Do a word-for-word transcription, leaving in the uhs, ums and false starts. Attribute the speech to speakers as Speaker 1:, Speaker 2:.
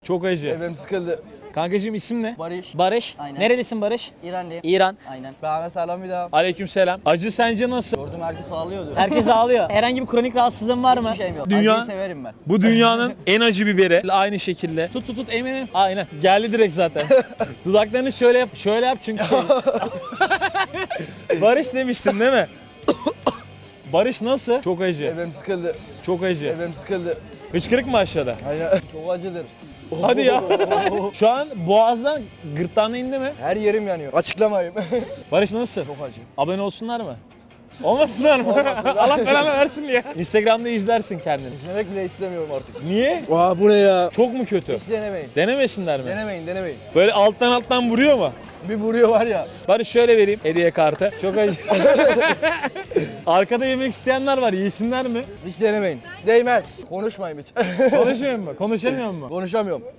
Speaker 1: Çok acı.
Speaker 2: Evim sıkıldı.
Speaker 1: Kankacığım isim ne?
Speaker 2: Barış.
Speaker 1: Barış.
Speaker 3: Aynen.
Speaker 1: Nerelisin Barış?
Speaker 3: İranlıyım.
Speaker 1: İran.
Speaker 3: Aynen.
Speaker 2: Bana selam bir daha.
Speaker 1: Aleykümselam. Acı sence nasıl?
Speaker 2: Gördüm herkes ağlıyordu.
Speaker 1: Herkes ağlıyor. Herhangi bir kronik rahatsızlığın var mı?
Speaker 3: Hiçbir şeyim yok.
Speaker 1: Dünya-
Speaker 2: Acıyı severim ben.
Speaker 1: Bu dünyanın en acı biberi. Aynı şekilde. Tut tut tut emin emin. Aynen. Geldi direkt zaten. Dudaklarını şöyle yap. Şöyle yap çünkü şey. Barış demiştin değil mi? Barış nasıl? Çok acı.
Speaker 2: Evim sıkıldı.
Speaker 1: Çok acı.
Speaker 2: Evim sıkıldı.
Speaker 1: Hıçkırık mı aşağıda?
Speaker 2: Aynen. Çok acıdır.
Speaker 1: Hadi ya. Şu an boğazdan gırtlağına indi mi?
Speaker 2: Her yerim yanıyor. Açıklamayayım.
Speaker 1: Barış nasıl?
Speaker 2: Çok acı.
Speaker 1: Abone olsunlar mı? Olmasınlar mı? Allah belanı versin ya. Instagram'da izlersin kendini.
Speaker 2: İzlemek bile istemiyorum artık.
Speaker 1: Niye?
Speaker 2: Aa bu ne ya?
Speaker 1: Çok mu kötü?
Speaker 2: Hiç denemeyin.
Speaker 1: Denemesinler mi?
Speaker 2: Denemeyin denemeyin.
Speaker 1: Böyle alttan alttan vuruyor mu?
Speaker 2: Bir vuruyor var ya.
Speaker 1: Bari şöyle vereyim hediye kartı. Çok acı. Arkada yemek isteyenler var. Yesinler mi?
Speaker 2: Hiç denemeyin. Değmez. Konuşmayayım hiç.
Speaker 1: Konuşmuyor mu? Konuşamıyor mu?
Speaker 2: Konuşamıyorum.